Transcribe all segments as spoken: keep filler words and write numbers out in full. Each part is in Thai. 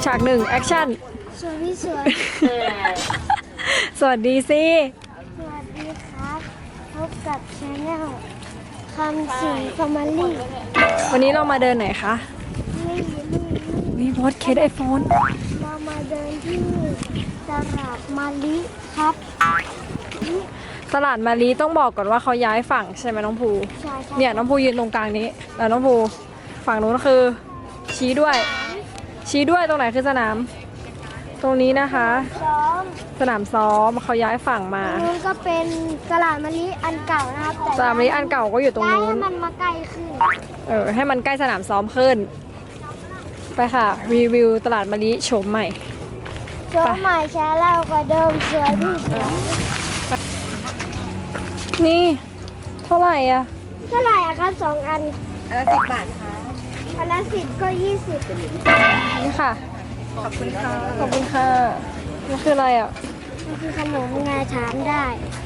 ฉากหนึ่งแอคชั่นสวัสดีสวยสวัสดีสิสวัสดีครับพบกับชาแนลคำสิงฟอร์มาลี่วันนี้เรามาเดินไหนคะนี่นี่วิวอตเคสไอโฟนเรามาเดินที่ตลาดมาลิครับตลาดมารีต้องบอกก่อนว่าเขาย้ายฝั่งใช่ไหมน้องภูใช่ใช่เนี่ยน้องภูยืนตรงกลางนี้แล้วน้องภูฝั่งนู้นคือ ชี้ด้วย ชี้ด้วยตรงไหนคือสนาม ตรงนี้นะคะซ้อมสนามซ้อมเขาย้ายฝั่งมาตรงนู้นก็เป็นตลาดมาลิอันเก่านะครับแต่สนามนี้อันเก่าก็อยู่ตรงย้ายนู้ให้นมันมาใกล้ขึ้นเออให้มันใกล้สนามซ้อมขึ้น ไปค่ะ รีวิวตลาดมะลิโฉมใหม่โชว์ใหม่แชร์แล้วกว่าเดิมสวยที่สุดนี่ เท่าไหร่อ่ะเท่าไหร่อะครับสองอันอันละสิบบาทค่ะอันละสิบก็ยี่สิบนี่ค่ะขอบคุณค่ะขอบคุณค่ะนี่คืออะไรอ่ะมันคือขนมไงถามได้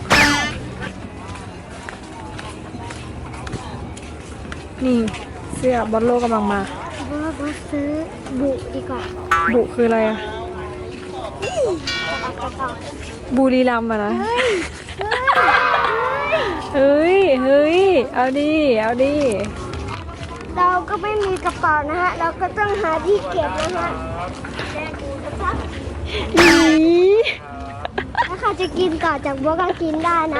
นี่เสื้อบอลโลกำลังมาเพราะว่าบอสซื้อบุดีกว่าบุคืออะไรอ่ะเอากระเป๋าบุรีรัมย์อะนะเฮ้ย เฮ้ยเฮ้ย เฮ้ย เอาดิ เอาดิเราก็ไม่มีกระเป๋านะฮะ เราก็ต้องหาที่เก็บนะฮะหนีถ้าใครจะกินก่อนจากบัวก็กินได้นะ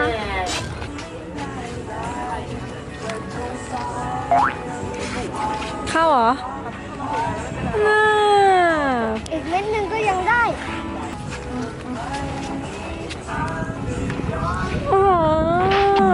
เข้าเหรอน่าอีกเม็ดหนึ่งก็ยังได้โอ้โห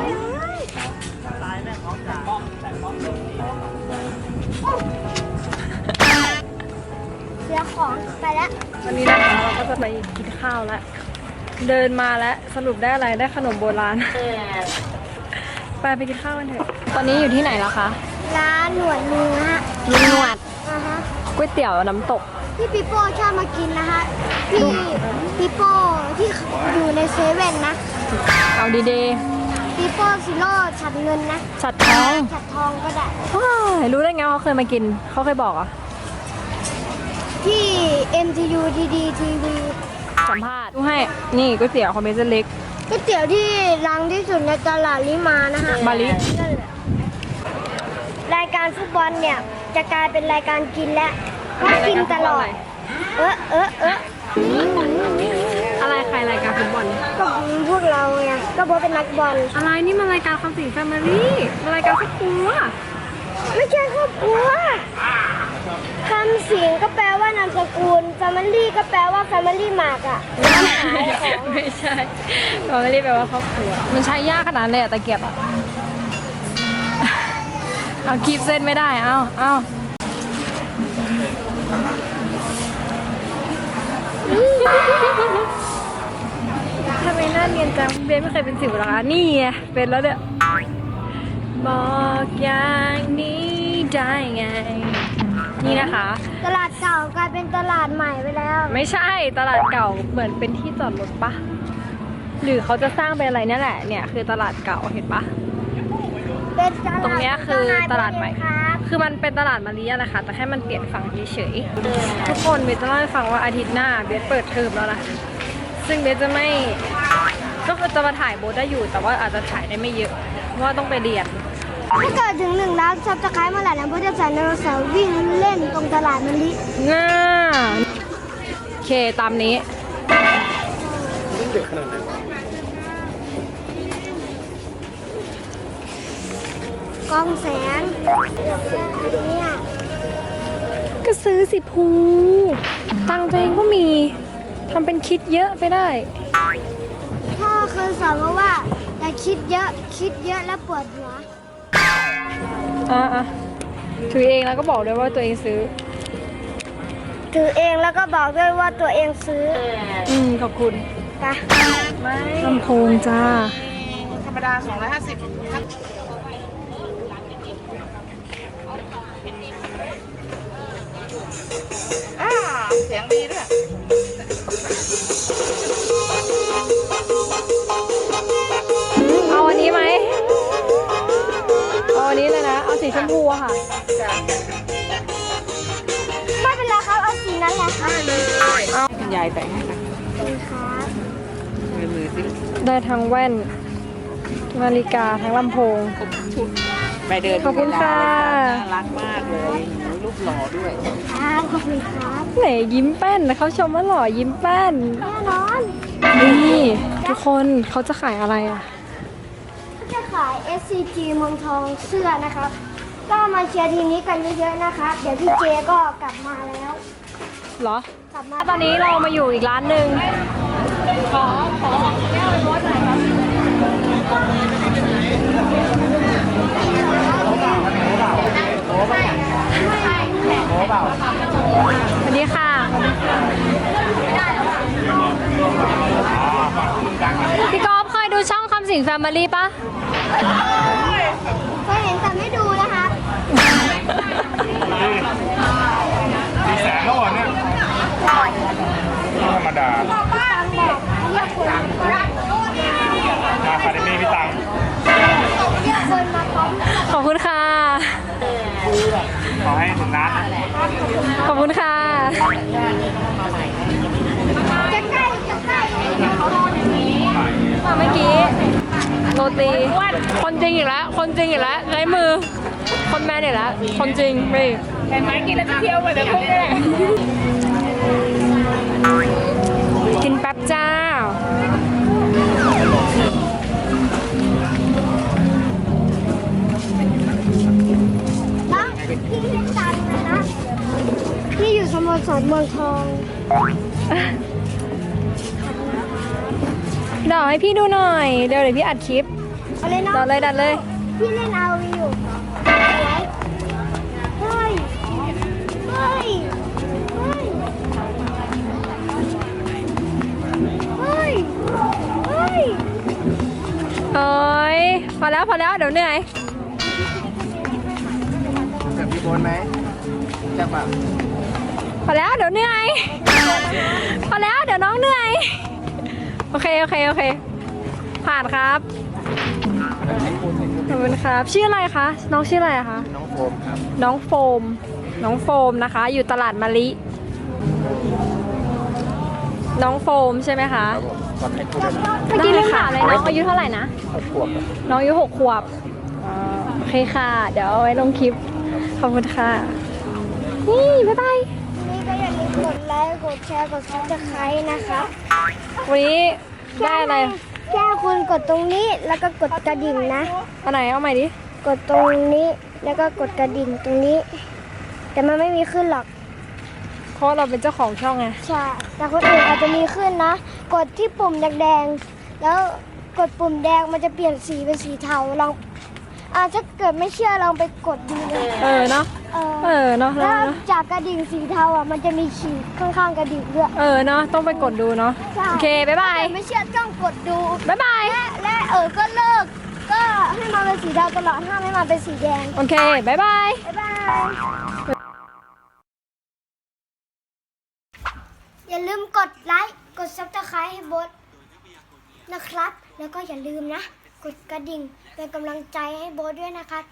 เสียของไปแล้ววันนี้นะคะเราก็จะไปกินข้าวแล้ว เดินมาแล้วสรุปได้อะไร ได้ขนมโบราณ ไปไปกินข้าวกันเถอะ ตอนนี้อยู่ที่ไหนแล้วคะร้านหนวดมือฮะลุงหนวดอ่าฮะก๋วยเตี๋ยวน้ำตกที่ปีโป้ชอบมากินนะฮะ ที่ปีโป้ที่อยู่ในเซเว่นนะเอาดีเดปีโป้ซิโร่ฉัดเงินนะฉัดทองฉัดทองก็ได้ว้ายรู้ได้ไงว่าเขาเคยมากิน เขาเคยบอกเหรอ่ะที่ เอ็ม ที ยู ดี ดี ที วีสัมภาษณ์ดูให้ นี่ก๋วยเตี๋ยวคอมเมนต์เล็กก๋วยเตี๋ยวที่ดังที่สุดในตลาดลิมานะฮะมาลินั่นแหละรายการฟุตบอลเนี่ย จะกลายเป็นรายการกินแล้วเพราะกินตลอด เออเออเอออะไรใครรายการฟุตบอลก็พวกเราไงก็เพราะเป็นนักบอลอะไรนี่มันรายการคำสิงแฟมิลี่มันรายการครอบครัวไม่ใช่ครอบครัวคำสิงก็แปลว่านามสกุล Family ก็แปลว่า Family มากอะร้านขายของไม่ใช่เราไม่ได้แปลว่าครอบครัว มันใช้ยากขนาดนั้นเลยอะตะเกียบอะเอาคีบเส้นไม่ได้ เอาเอาทำไมหน้าเนียนจังเบนไม่เคยเป็นสิวหรอคะนี่ไงเป็นแล้วเนี่ยบอกอย่างนี้ได้ไง นี่นะคะตลาดเก่ากลายเป็นตลาดใหม่ไปแล้วไม่ใช่ตลาดเก่าเหมือนเป็นที่จอดรถปะหรือเขาจะสร้างเป็นอะไรเนี่ยแหละเนี่ยคือตลาดเก่าเห็นปะเป็นตลาดตรงเนี้ยคือตลาดใหม่ครับคือมันเป็นตลาดมารีอะแหละค่ะแต่แค่มันเปลี่ยนฝั่งเฉยๆทุกคนเบสจะเล่าให้ฟังว่าอาทิตย์หน้าเบสเปิดเทอมแล้วนะซึ่งเบสจะไม่ก็คือจะมาถ่ายโบสได้อยู่ แต่ว่าอาจจะถ่ายได้ไม่เยอะเพราะว่าต้องไปเรียนถ้าเกิดถึงหนึ่งล้านซับสไครต์เมื่อไหร่นะพ่อจะใส่ไดโนเสาร์วิ่งเล่นตรงตลาดมะลิง่าโอเคตามนี้กองแสงเนี่ยก็ซื้อสิภูตังค์ตัวเองก็มีทำเป็นคิดเยอะไปได้พ่อเคยสอนมาว่าอย่าคิดเยอะคิดเยอะแล้วปวดหัวอ่ะอ่ะถือเองแล้วก็บอกด้วยว่าตัวเองซื้อถือเองแล้วก็บอกด้วยว่าตัวเองซื้ออืมขอบคุณไปลำโพงจ้าธรรมดาสองร้อยห้าสิบอ่าเสียงดีด้วยเอาอันนี้ไหมเอาอันนี้เลยนะ เอาสีชมพูอะค่ะจ้ะไม่เป็นไรครับ เอาสีนั้นแหละค่ะคุณยายแต่งให้ค่ะขอบคุณครับมือมือสิได้ทั้งแว่น นาฬิกาทั้งลำโพงครบชุดไปเดินขอบคุณค่ะน่ารักมากเลยรูปหล่อด้วยครับขอบคุณครับไหนยิ้มแป้นนะเขาชมว่าหล่อยิ้มแป้นแน่นอนนี่ทุกคนเขาจะขายอะไรอ่ะก็จะขาย เอส ซี จี เมืองทองเสื้อนะครับ ก็มาเชียร์ทีมนี้กันเยอะๆนะครับ เดี๋ยวพี่เจก็กลับมาแล้วเหรอกลับมาตอนนี้เรามาอยู่อีกร้านหนึ่งขอขอแก้วรถหน่อยครับสวัสดีค่ะ พี่กอล์ฟเคยดูช่องคำสิงแฟมิลี่ปะเคยเห็นแต่ไม่ดูนะครับสี่แสนแล้วเหรอเนี่ยธรรมดาตังบอกเรียกคนมามาคาเดมี่พี่ตังเรียกคนมาพร้อมขอบคุณค่ะขอให้ถึงร้านขอบคุณค่ะจะใกล้จะใกล้มาเมื่อกี้โรตีคนจริงอีกแล้ว คนจริงอีกแล้วไร้มือ คนแมนอีกแล้ว คนจริงไม่เห็นไหมกินแล้วจะเที่ยวไปเลยพวกนี้กินแป๊บจ้าน้องพี่เล่นตันนะพี่อยู่สโมสรเมืองทองเดี๋ยวให้พี่ดูหน่อย เดี๋ยวเดี๋ยวพี่อัดคลิปเอาเลยเนาะดัดเลยดัดเลยพี่เล่นอาวีอยู่เฮ้ย เฮ้ย เฮ้ย เฮ้ย เฮ้ยเอ้ยพอแล้วพอแล้วเดี๋ยวเหนื่อยแบบพี่โบนไหมจะแบบพอแล้วเดี๋ยวเหนื่อย พอแล้วเดี๋ยวน้องเหนื่อย โอเคโอเคโอเค ผ่านครับ ขอบคุณครับ ชื่ออะไรคะ น้องชื่ออะไรอะคะน้องโฟมครับน้องโฟม น้องโฟมนะคะ อยู่ตลาดมะลิ น้องโฟมใช่ไหมคะครับผมตอนให้พูดได้ไหมเมื่อกี้ลืมถามเลยน้องอายุเท่าไหร่นะหกขวบครับน้องอายุหกขวบอ่าโอเคค่ะ เดี๋ยวเอาไว้ลงคลิป ขอบคุณค่ะ นี่บ๊ายบายนี่ก็อย่าลืมกดไลค์ กดแชร์ กดซับสไครต์นะครับวันนี้ได้อะไรแค่คุณกดตรงนี้แล้วก็กดกระดิ่งนะอันไหนเอาใหม่ดิกดตรงนี้แล้วก็กดกระดิ่งตรงนี้ แต่มันไม่มีขึ้นหรอกเพราะเราเป็นเจ้าของช่องไงใช่ แต่คนอื่นอาจจะมีขึ้นนะ กดที่ปุ่มแดงๆ แล้วกดปุ่มแดงมันจะเปลี่ยนสีเป็นสีเทา ลองอ่าถ้าเกิดไม่เชื่อลองไปกดดูเลยเออเนาะเออเออเนาะแล้แล้ววเนาะจากกระดิ่งสีเทาอ่ะ มันจะมีขีดข้างๆกระดิ่งด้วยเออเนาะ ต้องไปกดดูเนาะใช่โอเค บ๊ายบายถ้เกิดไม่เชื่อต้องกดดูบ๊ายบายและและเออ ก็เลิก ก็ให้มันเป็นสีเทาตลอด ห้ามให้มันเป็นสีแดงโอเค บ๊ายบายบ๊ายบาย อย่าลืมกดไลค์ กดซับสไครต์ให้โบทนะครับ แล้วก็อย่าลืมนะ กดกระดิ่งเป็นกำลังใจให้โบทด้วยนะคะ